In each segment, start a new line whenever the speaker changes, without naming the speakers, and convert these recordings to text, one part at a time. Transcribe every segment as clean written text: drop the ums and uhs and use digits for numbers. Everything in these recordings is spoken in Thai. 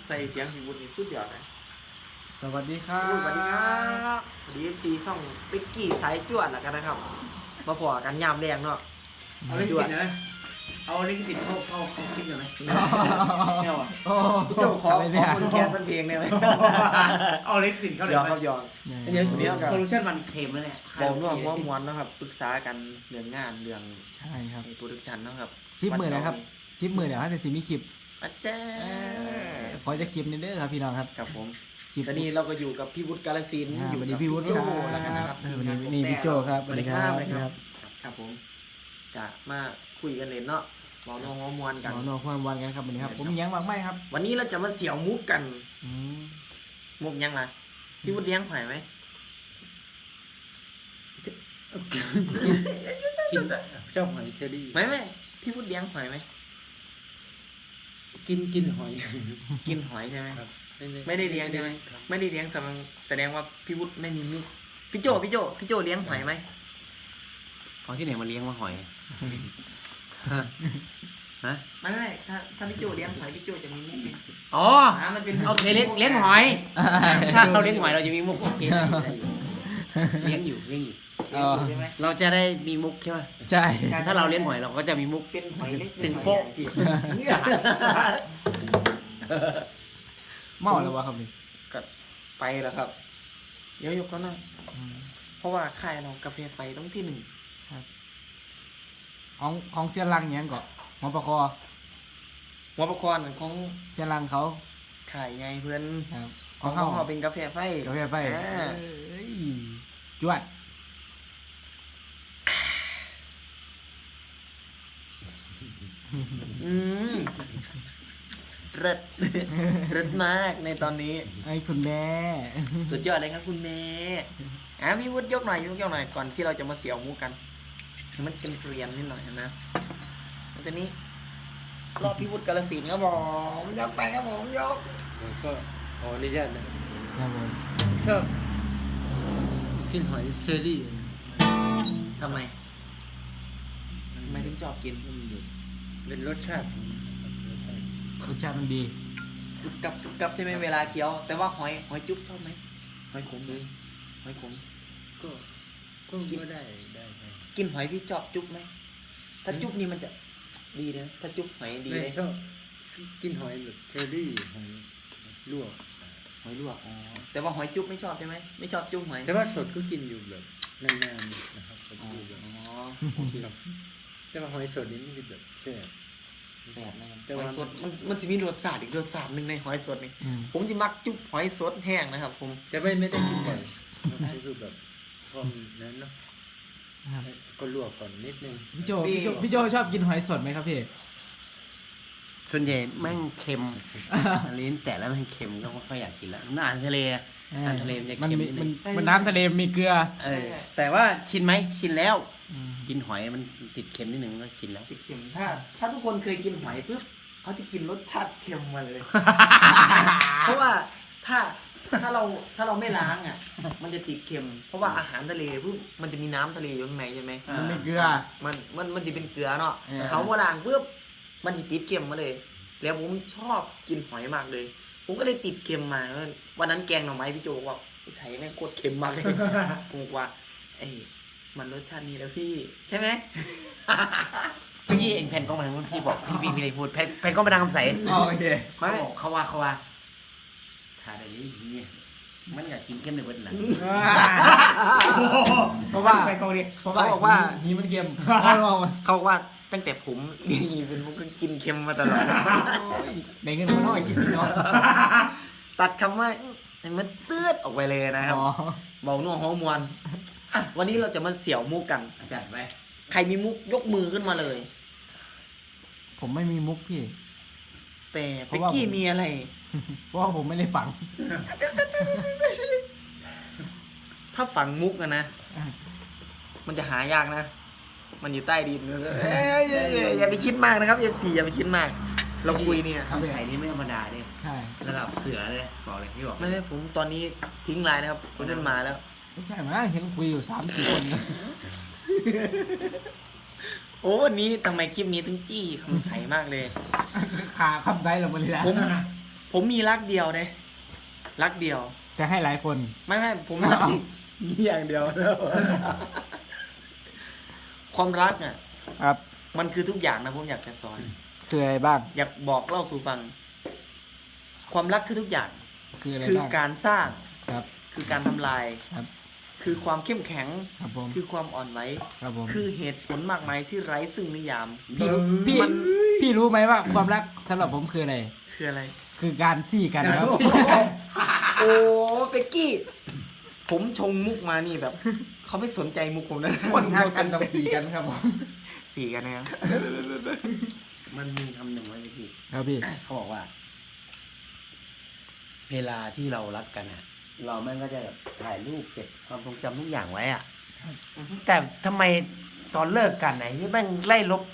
ใส่เสียงพี่วุฒินี่สุดยอดนะ
สวัสดีครั
สวัสดีครับสวัสดี FC ช่องปิ๊กกี้สายจวดแล้วกันนะครับมาพอกันยามแรงเนาะ
เอาลิขสิทธิ์นะเอาลิขสิทธิ์เข้าคลิปหน่อยไหมไม่เอาอ่ะ
พี่โจขอคนแคสเป็นเพลงได้ไหม
เอาลิขสิทธิ์เข้าเลย
ยอมครับยอม
เดี๋ยวเสียโซลูชันมันเค็มแล้วเนี่ย
บอกว่าหัวม้วนนะครับปรึกษากันเรื่องงานเรื่อง
ใช่ครับ
โปรดักชันนะครับ
10,000นะครับ10,000เดี๋ยวจะมีคลิป
อาจารย์
ขอจะคลิปนี้เด้อครับพี่น้องครับ
ครับผม
คลิป
ตอนนี้เราก็อยู่กับพี่วุฒิกาลสินธุ์
ส
อยู่
วัสดี
กับ
พี่วุฒิ
โจ
ค
แล้วกันนะค
รั
รั
บบ วันนี้นี่พี่โจครับสวัสดีครับ
ครับผมจะมาคุยกันเล่นเนาะเมาโน้องมวนกัน
หมอโนความวันกันครับวันนี้ครับผมมียังมากไหมครับ
วันนี้เราจะมาเสี่ยวมุกกัน
อืม
มุกยังไงพี่วุฒิเลี้ยงหอยไหม
กินเจ้าหอยเชอรี่
ไม่พี่วุฒิเลี้ยงหอยไหม
กินหอย
กินหอยใช่ไหม
ครับ
ไม่ได้เลี้ยงใช่ไหมไม่ได้เลี้ยงแสดงว่าพี่วุฒิไม่มีมุกพี่โจเลี้ยงหอยไหม
ของที่ไหนมาเลี้ยงมาหอยฮะ
ไม่ถ้าพี่โจเลี้ยงหอยพี่โจจะมีมุกไหม
อ๋อ
มันเป็น
โอเคเลี้ยงหอยถ้าเราเลี้ยงหอยเราจะมีมุกโอเคเลี้ยงอยู่
ใช่ไหม
เราจะได้มีมุกใช่ไหม
ใช่
ถ้าเราเลี้ยงหอยเราก็จะมีมุก
เป็นหอยเล็ก
ถึงโป๊ะ
เมาแล้ววะครับนี่
ก็ไปแล้วครับ เดี๋ยวยกก็น่อย
อืม
เพราะว่าค่ายเรากาแฟไฟต้องที่ 1
ของเสียรังยังก่อนหมอประคอ
หัวประคอนของ
เสียรังเขา
ขายไงเพื่อน
ครับ
ของ
เขา
เขาเป็นกาแฟไฟ
กาแฟไฟ
อ่า
เอ้ยจวด
อืมเริด เริดมากในตอนนี้
ไอ้คุณแม่
สุดยอดเลยครับคุณเมย์พี่วุฒิยกหน่อยก่อนที่เราจะมาเสี่ยวมุกกันให้มันเป็นเรียนนิดหน่อยนะแล้วตอนนี้รอบพี่วุฒิกาลสินธุ์ครับผมยกไปครับผมยก
ก็ขออนุญาตนะครับ
ผม
ชอบกินหอยเชอรี่
ทำไมถึงชอบกิน
เป็นรสชาติ
รสชาติมันดี
จุกกับใช่ไหมเวลาเคี้ยว แต่ว่าหอยจุ๊บชอบไหมหอยขมเลยหอยขม
ก็ได้
กินหอยพี่ชอบจุ๊บไหมถ้าจุ๊บนี่มันจะดีเลยนะถ้าจุ๊บหอยดี
ไม่
เลย
ชอบกินหอยแบบเชอรี่หอยลวก
หอยลวกอ๋อแต่ว่าหอยจุ๊บไม่ชอบใช่ไหมไม่ชอบจุ๊บหอย
แต่ว่าสดก็กินอยู่แบบนานๆนะครับผม
อ๋อ
ดูแบบ
โอเค
แต่ว่าหอยสดนี่มันจะแบบแซ่บ
แสบนะครับ
แต่
ห
ว่า
อยสดมันจะมีรสชาติอีกรสชาติหนึ่งในหอยสดนี่
อืม
ผมจะมักจุ๊บหอยสดแห้งนะครับ ผม
จะไม่ได้กินบ่อยก็คือแบบความนั้นเนาะ
ครับ
ก็ลวกก่อนนิดนึง
พี่โจชอบกินหอยสดไหมครับพี่
ส่วนใหญ่แม่งเค็มลิ้นแต่แล้วแม่งเค็มก็ไม่ค่อยอยากกินแล้วอาหารทะเลอาหารทะเลมันจะ
มัน
เค็ม
มี
นิดนึง
มันน้ำทะเลมีเกลือ
แต่ว่าชินไหมชินแล้ว
อืม
กินหอยมันติดเค็มนิดนึงก็ชินแล้ว
ติดเค็มถ้าทุกคนเคยกินหอยปุ๊บเขาจะกินรสชาติเค็มมาเลย เพราะว่าถ้าเราไม่ล้างอ่ะ มันจะติดเค็ม เพราะว่าอาหารทะเลปุ๊บมันจะมีน้ำทะเลอยู่ข้างในใช่ไหม
มันมีเกลือ
มันจะเป็นเกลือเนาะ
เออ
เขาว่าล้างปุ๊บมันจะติดเค็มมาเลย แล้วผมชอบกินหอยมากเลย ผมก็เลยติดเค็มมาวันนั้นแกงหน่อไม้พี่โจบอกว่าใส่แม่งโคตรเค็มมากเลย ผมบอกว่าเอ้ยมันรสชาตินี้แล้วพี่ใช่ไหม
พี่เองแผ่นกล้องมาทางนู้นพี่บอกพี่อะไรพูดแผ่นกล้องมาทางคำใส
โอเค
เขาว่าถ่ายอะไรนี่มันอยากกินเข้มในเบิร์ดหลัง
เพราะว่า
ไปกองดิ
เพราะว่า
เขาบอกว่า
หีมันเค็ม
เขาบอกว่าตั้งแต่ผม นี่เป็นผมก็กินเค็มมาตลอด
ในเงินมันน้อยกินพี่น้อง
ตัดคำว่าให้มันเตือดออกไปเลยนะครับ
อ๋อ
บอกนัวฮอร์โมนอ่ะวันนี้เราจะมาเสี่ยวมุกกัน
จัดไป
ใครมีมุกยกมือขึ้นมาเลย
ผมไม่มีมุกพี่
แต่
เพ
เป็
ราะ
ก
ว่า
กี้มีอะไร
เพราะว่าผมไม่ได้ฝัง
ถ้าฝังมุกอะนะ มันจะหายากนะ มันอยู่ใต้ดินอย่าไปคิดมากนะครับ F4 อย่าไปคิดมาก เราคุยเนี่ย
คำใสนี่ไม่ธรรมดาเนี่ย
ใช่
ระดับเสือเลยบอกเลยพี่บอก
ไม่ผมตอนนี้ทิ้งไลน์นะครับคนนั้นมาแล้ว
ไม่ใช่มั้งเห็นคุยอยู่3-4 คน
โอ้วันนี้ทำไมคลิปนี้ถึงจี้คำใสมากเลย
ขาคำใจเราหมดเลยนะ
ผมมีรักเดียวเนี่ยรักเดียว
จะให้หลายคน
ไม่ผมรักอย่างเดียวแล้วความรักอ่ะ
ครับ
มันคือทุกอย่างนะผมอยากจะสอน
คืออะไรบ้าง
อยากบอกเล่าสู่ฟัง ความรักคือทุกอย่าง
คืออะไร
คือ
บ้าง
การสร้าง
ครับ
คือการทำลาย
ครับ
คือความเข้มแข็ง
ครับผม
คือความอ่อนไหว
ครับผม
คือเหตุผลมากมายที่ไร้ซึ่งนิยาม
พี่รู้พี่
มัน
พี่รู้ไหมว่าความรักสำหรับผมคืออะไร
คืออะไร
คือการซี่กันครับ
โอ้เป็กกี้ ผมชงมุกมานี่แบบ เขาไม่สนใจมุกผมนะ
คนทักกันต้องซี่กันครับผม
สี่กันนะครับ
มันมีคำหนึ่งไว้พี่
ครับพี่
เขาบอกว่า เวลาที่เรารักกันอะเราแม่งก็จะแบบถ่ายรูปเก็บความทรงจำทุกอย่างไว้อะแต่ทำไมตอนเลิกกันไหนที่แม่งไล่ลบ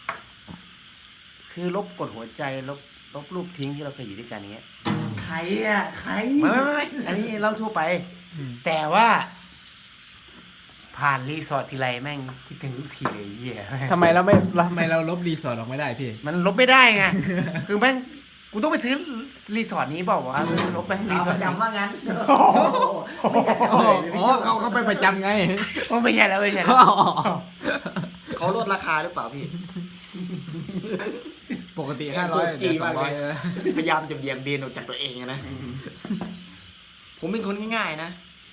คือลบกดหัวใจลบรูปทิ้งที่เราเคยอยู่ด้วยกันอย่างเงี้ย
ใครอ่ะ ใคร
ไม่อันนี้เล่าทั่วไป แต่ว่า ผ่านรีสอร์ททีไรแม่งคิดถึงทุกทีเลยไอ้เหี้ย
ทำไมเราลบรีสอร์ทออกไม่ได้พี่
มันลบไม่ได้ไง คือแม่งกูต้องไปซื้อรีสอร์ทนี้เปล่าวะลบแม่งรีสอร์ท
จำว่างั้น
ไม่อยากจะ
อ๋
เอ่ยเลยพี่
อ
โจ้
เขาไปประจำไง
ไม่ใช่แล้วไม่ใช่แล้ว
เขาลดราคาหรือเปล่าพี่
ปกติ500
จี
เดี๋ยว
มากเลย
200
พยายามจะเบี่ยงเบนออกจากตัวเองอะนะ ผมเป็นคนง่ายๆนะ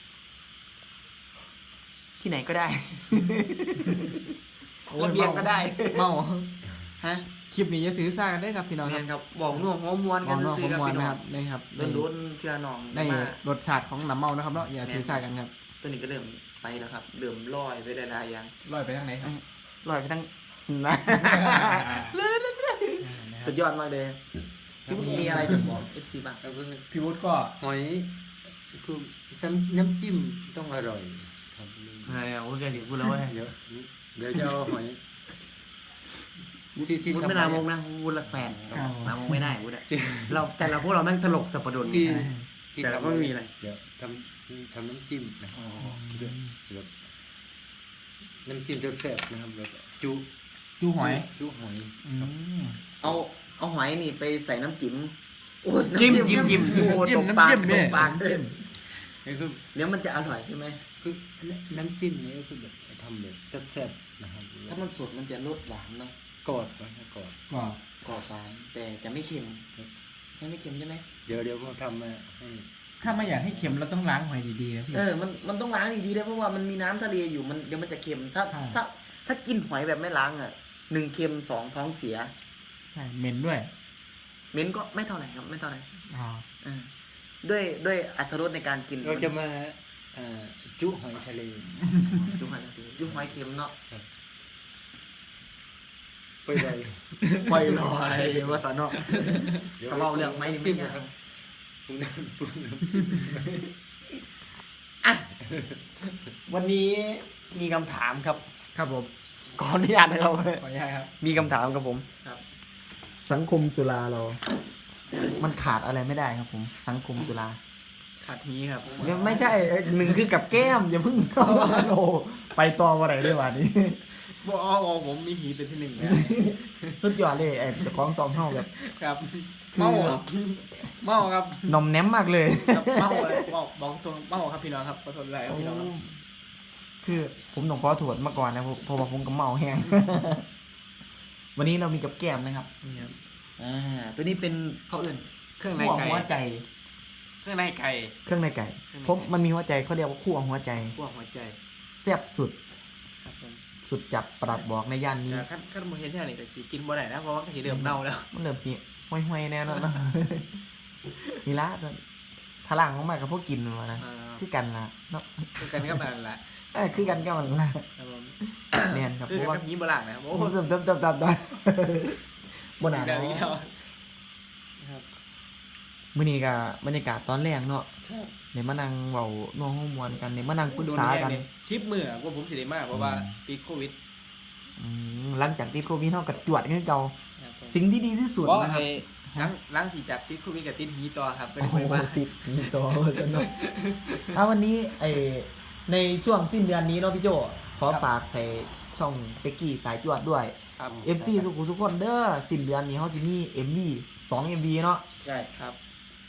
ที่ไหนก็ได้ ระเบียงก็ได้
เมา
ฮะ
คลิปนี้จะถือซ่ากันได้ครับพี่น้องค
แม่
รับ
นครับบอกน่วงหัวมวน
ม
กั
อน งนอก
ซื้
ข
อ
อง
กับ
มวล
พี่น้
นะ
อ
ค
ง
รับนี่ครับ
โดนเพื่อน้อง
ได้
มา
รสชาติของน้ำเมานะครับเนาะอย่าถือซ่ากันครับ
ตัวนี้ก็เริ่มไปแล้วครับเริ่มลอยไปได้หลายอย่าง
ลอยไปทางไหนครับ
ลอยไปทั้งนะสุดยอดมากเลยพี่วุฒิมีอะไรจะบอก FC บ้าง
แล้วก็
พี่วุฒิก็
หอยคือน้ำจิ้มต้องอร่อยครับ
เฮ้ยโอ้ยแกถึงพูดแล้วเว้ย
เดี๋ยวจะเอาหอยที่
พูด
ทำ
ไม่
ไม
ลามกนะพูดรักแฟนลามกไม่ได้พูดอะเราแต่เราพวกเราแม่งตลกสับปะรด
ที่
แต่เราก็ไม่มีอะไร
เดี๋ยวทำน้ำจิ้มนะแบบน้ำจิ้มแซ่บๆนะครับแบบจุ
จูหอย
จุหอย
เอาหอยนี่ไปใส่น้ำจิ้มโอ้ย
จิ้ม
น้ำ
จิ้ม
โอ้
จิ้
ต
ม
กปาก
น้ำจิ้ม
ต
เนี่ย
กปาก
จิ้ม
นี่คือ
เดี๋ยวมันจะอร่อยใช่ไหม
คือน้ำจิ้มนี่ก็คือแบบทำแบบแซ่บๆนะครับ
ถ้ามันสดมันจะรสหวานเนาะ
กอดไว้นะกอด
ก็
กรอบหวานแต่จะไม่เค็มไม่เค็มใช่ไหม
เดี๋ยวเขาทำมาให้
ถ้าไม่อยากให้เค็มเราต้องล้างหอยดีๆนะพี่
มันต้องล้างดีๆด้วยเพราะว่ามันมีน้ำทะเลอยู่มันเดี๋ยวมันจะเค็มถ้า
ใช่
ถ้ากินหอยแบบไม่ล้างอ่ะ1เค็ม2ท้องเสีย
ใช่เหม็นด้วย
เหม็นก็ไม่เท่าไหร่ครับไม่เท่าไหร่
อ๋อ
ด้วยอรรถรสในการกิน
เราจะมาจุหอยทะเล
จุหอยทะเลจุหอยเค็มเนาะ
ไปเลย
ปล่อยลอยว่าสนเนาะเขาเล่าเรื่องไหมนี่ไม่
จิ้ม
ยาก
ครับปรุงน้ำ
อ่ะวันนี้มีคำถามครับ
ครับผม
ขออนุญาตนะครับ
ขออนุญาตครับ
มีคำถามครับผม
ครับ
สังคมสุราเรา มันขาดอะไรไม่ได้ครับผม สังคมสุรา
ขาดนี้ครับ
ไม่ใช่หนึ่งคือกับแก้มอย่าเพิ่งโอ้ไปต่อวันไหนด้วยวันนี้
บอกอ๋อผมมีหีเป็นที่หนึ่งนะ
สุดยอดเลยไอ้เจ้าของซองเฮาแบบ
ครับเมาครับเมาครับ
นมแนมมากเลย
ครับเมาเลยบอกตรงเมาครับพี่น้องครับขอโทษเลยครับพี่น้องครับ
คือผมต้องขอโทษมาก่อนนะเพราะว่าผมกับเมาแห้ง วันนี้เรามีกับแก้มนะครับ
นี่ครับ
ตัวนี้เป็น
เขาอื่นเครื่องใน
คั่ว
ไก่
หัวใจ
เครื่องในไก่
เครื่องในไก่
เครื่องในไก่
ผมมันมีหัวใจเขาเรียกว่าคั่วหัวใจ
พวกหัวใจ
แซ่บสุด
ครับผม
สุดจับปรับบอกในย่านนี้
แต่ขั้นโมเห็นแค่นี้ก็สิกินบ่ได้นะเพราะว่าก็สิเริ่มเน่าแล้ว
มันเริ่มจีห้อยๆแน่นอนเนาะ นี่ละพลังของมันกับพวกกินมานะคือกันละเนาะ
คือกันก็มันแหละ
คือกันก็มันละ
ครับผม
แน่นครับ
คือ
เพราะ
กั
ว่า
บยีโบราณนะครับโอ้
โอ้
โห
เติมได้บนหนา
แบบนี้
เนาะ
แล้วครับ
มื่อนี้ก็บรรยากาศตอนแรกเนาะเดี๋ยวมานั่งเว้านัวห้องมวนกันเดี๋ยวมานั่งปรึกษากัน
ชิปมือว่าผมสิได้มากเพราะว่าติดโควิด
หลังจากที่โควิดเฮาก็จวดกันเก่า
ครับผม
สิ่งที่ดีที่สุด
เพราะ
นะครับ
ล้างที่จับติดโควิดกับติดหีต่อครับก็
โอ้
เลย
โห
ไปมา
ติดมีตัวสนุกวันนี้ในช่วงสิ้นเดือนนี้เนาะพี่โจขอฝากใส่ช่องเป็กกี้สายจวดด้วย
ครับ
FC ทุกคนเด้อสิ้นเดือนนี้เขาจะมี MV 2 MV เนาะ
ใช่ครับ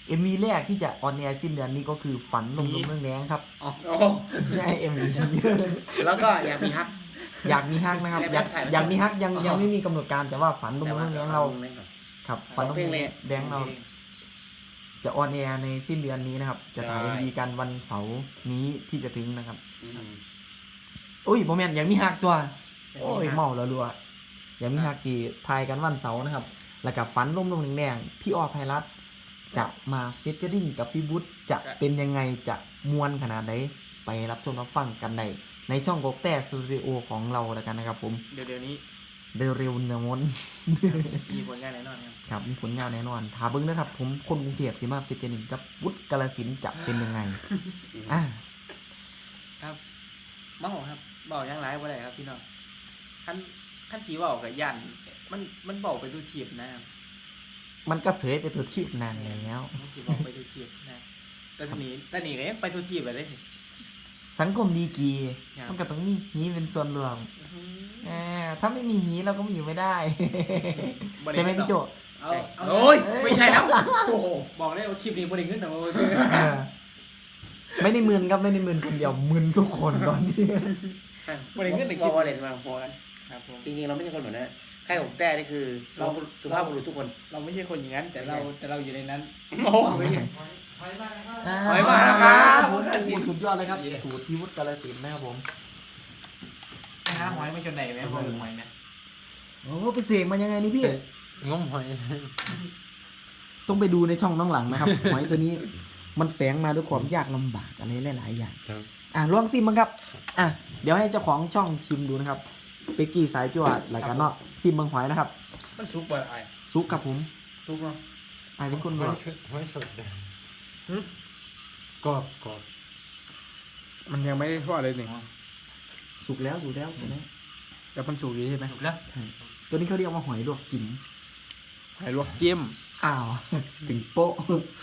MV แรกที่จะออนแอร์สิ้นเดือนนี้ก็คือฝันลมๆเรื่องแรงครับ
อ๋อ
ใช่ MV
แล้วก็อยากมีฮัก
อยากมีฮักนะครับ อยากมีฮักยังไม่มีกำหนดการแต่ว่าฝันลมๆเรื่องแรงเราครับฝันลมๆเรื่องแรงเราจะออนแอร์ในสิ้นเดือนนี้นะครับ จะถ่าย MV กันวันเสาร์นี้ที่จะถึงนะครับอุ้ยโมเมนต์อยากมีฮักตัวโอ้ยเมาแล้วรัวอยากมีฮักที่ถ่ายกันวันเสาร์นะครับ แล้วกับฝันลมๆแรงๆพี่ออภัยรัตน์จะมาเฟเจอริ่งกับพี่บุ๊ทจะเป็นยังไงจะมวนขนาดไหนไปรับชมรับฟังกันในช่องกกแต่สตูดิโอของเราแล้วกันนะครับผม
เดี๋ยวนี้
เร็วๆเนมน
มีผลงานแน่นอนครับ
ครับมีผลงานแน่นอนถามเบิ้งนะครับผมคนกรุงเทพสิมาเฟเจอริ่งกับวุฒิกาฬสินธุ์จะเป็นยังไงอ่ะ
ครับเมาครับเบายังไรบ่ได้ครับพี่น้องขั้นทีเบากับยันมันเบาไปดูทีบนะครับ
มันก็เสยไปตัวที่นานแล้ว
มันทีเบาไปดูทีบนะแต่ทีนี้ก็ยังไปดูทีบไปเลย
สังคมดีกี
ครับ
มันก็ต้องมีหีเป็นส่วนรวมถ้าไม่มีหีเราก็อยู่ไม่ได้ ใช่ไหมพี่โจ
เอาเอา
โอ้ยไม่ใช่แล้ว
โอ้โหบอกได้ว่าคลิปนี้บริเงินแต่ว่า
เออไม่ได้มึนครับไม่ได้มึนคนเดียวมึนทุกคนตอนนี้
บริเงินในคลิป
ก็เล่นมาพอกัน
ครับผม
จริงๆเราไม่ใช่คนแบบนั้นใครของแต่นี่คือสุภาพบุรุษทุกคน
เราไม่ใช่คนอย่างนั้น แต่เราอยู่ในนั้น
โอ้
หอย
หอยมาแล้วครับ
สุดยอดเลยครับสูตรที่วุฒิกาฬสินธุ์นะครับผม
หาหอยไม่จนไหนไหมพอหอยเนี่ย
โอ้ไปเสกมายังไงนี่พี่
งมหอย
ต้องไปดูในช่องน้องหลังนะครับ หอยตัวนี้มันแฝงมาด้วยความยากลำบากอะไรหลายๆอย่าง
ครับ
ลองซิมบ้างครับเดี๋ยวให้เจ้าของช่องชิมดูนะครับเป๊กกี้สายจวดรายการเนาะซิมเบางหอยนะครับ
มันซุกบ่ไอ้
ซุกครับผม
ซุกเนาะ
เป็นคน
ห
บ
อ
อย ก
หอยสดเลยกรอบกรอบ
มันยังไม่ได้ทอดเลยหนึ่ง
สุกแล้ว
แต่มันสุกดีใช่ไหมสุกแล้ว
ตัวนี้เขาเรียกว่าหอยลวกจิ้ม
หอยลวกจิ้ม
ถึงโป๊ะ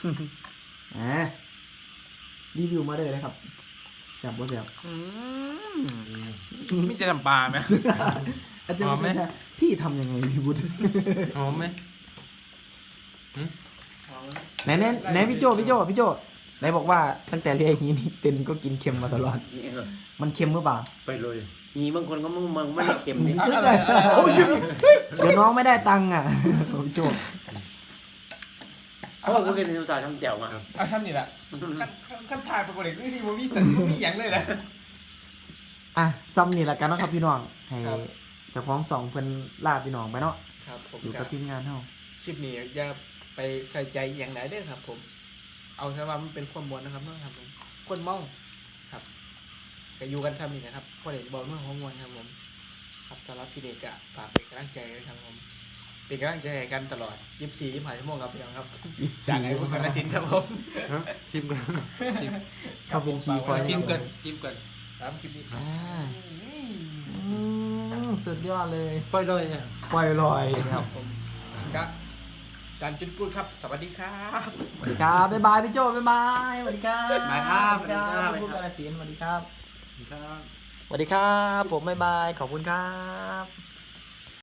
รีวิวมาเลยนะครับแซ่บบ่แซ่บ
ไม่จะทำปลาไหม
อาจารย์พี่ทำยังไงพี่บุตร
หอมไหม
ไหนพี่โจไหนบอกว่าตั้งแต่เรียนอย่างนี้นี่เป็นก็กินเค็มมาตลอด มันเค็มหรือเปล่า
ไปเลย
มีบางคนก็มึงไม่ได้เค็มนี่
โอ้ยเดี๋ยวน้องไม่ได้ตังค์อ่ะพี่โจ
เพราะว่ากูเคยเรียนภาษาทำแจ่วมา
เอาทำนี่แหละขั้นทายปกติคือที่มันมีแต่มีอย่างเลยแหละ
ซ้ำนี่แหละกันเนาะครับพี่น้องให้
ครับ
เจ้าของสองเพิ่นลาพี่น้องไปเนาะ
ครับผม
อยู่กับทีมงานเฮา
คลิปนี้อย่าไปใส่ใจอย่างไหนเด้อครับ ผม เอาแค่ว่ามันเป็นความมวลนะครับเนาะครับผมคนเมาครับก็อยู่กันทำนี่นะครับพอเด็กบอกเรื่องของมวลครับผมครับสำหรับพี่เด็กอะฝากเป็นกำลังใจด้วยครับผมเป็นกำลังใจให้กันตลอด24 ชั่วโมงครับพี่น้องครับจากไอ้พวกกระสินธุ์ครับผม
ชิมกัน
เขาเป็นคีย์คอย
จิ้มกันตามคลิปนี้
สุดยอดเลย
ไปเลยอ่ะ
ปล่อยลอยครับ
ผมครับจานจุดพูดครับ สวัสดีครับ
สวัสดีครับบ๊ายบายพี่โจบ๊ายบายสวัสดีครับ
บ๊ายบายครับ
สวัสดีครับพูดกาฬสินธุ์สวัสดีครับ
ครับ
สวัสดีครับผมบ๊ายบายขอบคุณครับ